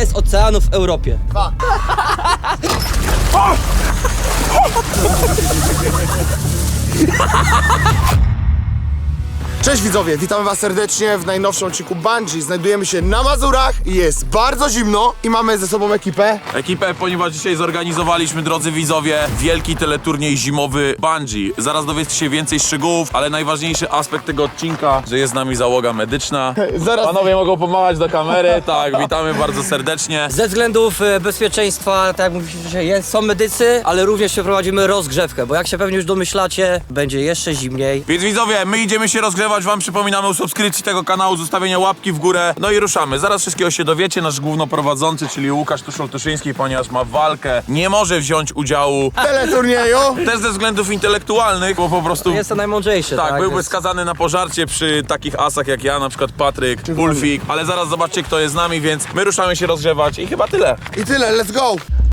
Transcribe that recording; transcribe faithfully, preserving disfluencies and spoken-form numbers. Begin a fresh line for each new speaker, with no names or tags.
jest oceanu w Europie?
Dwa. Cześć widzowie, witamy was serdecznie w najnowszym odcinku Bungee. Znajdujemy się na Mazurach i jest bardzo zimno i mamy ze sobą ekipę.
Ekipę, ponieważ dzisiaj zorganizowaliśmy, drodzy widzowie, wielki teleturniej zimowy Bungee. Zaraz dowiecie się więcej szczegółów, ale najważniejszy aspekt tego odcinka, że jest z nami załoga medyczna.
Zaraz...
Panowie mogą pomachać do kamery, tak, witamy bardzo serdecznie.
Ze względów e, bezpieczeństwa, tak jak mówiliście, jest, są medycy, ale również przeprowadzimy rozgrzewkę, bo jak się pewnie już domyślacie, będzie jeszcze zimniej.
Więc widzowie, my idziemy się rozgrzewać, wam przypominamy o subskrypcji tego kanału, zostawienia łapki w górę, no i ruszamy. Zaraz wszystkiego się dowiecie, nasz głównoprowadzący, czyli Łukasz Tuszol-Tuszyński, ponieważ ma walkę, nie może wziąć udziału,
teleturnieju.
też ze względów intelektualnych, bo po prostu...
Jest to najmądrzejszy,
Tak,
tak?
byłby
Więc-
skazany na pożarcie przy takich asach jak ja, na przykład Patryk, Ulfik, ale zaraz zobaczcie, kto jest z nami, więc my ruszamy się rozgrzewać i chyba tyle.
I tyle, let's go.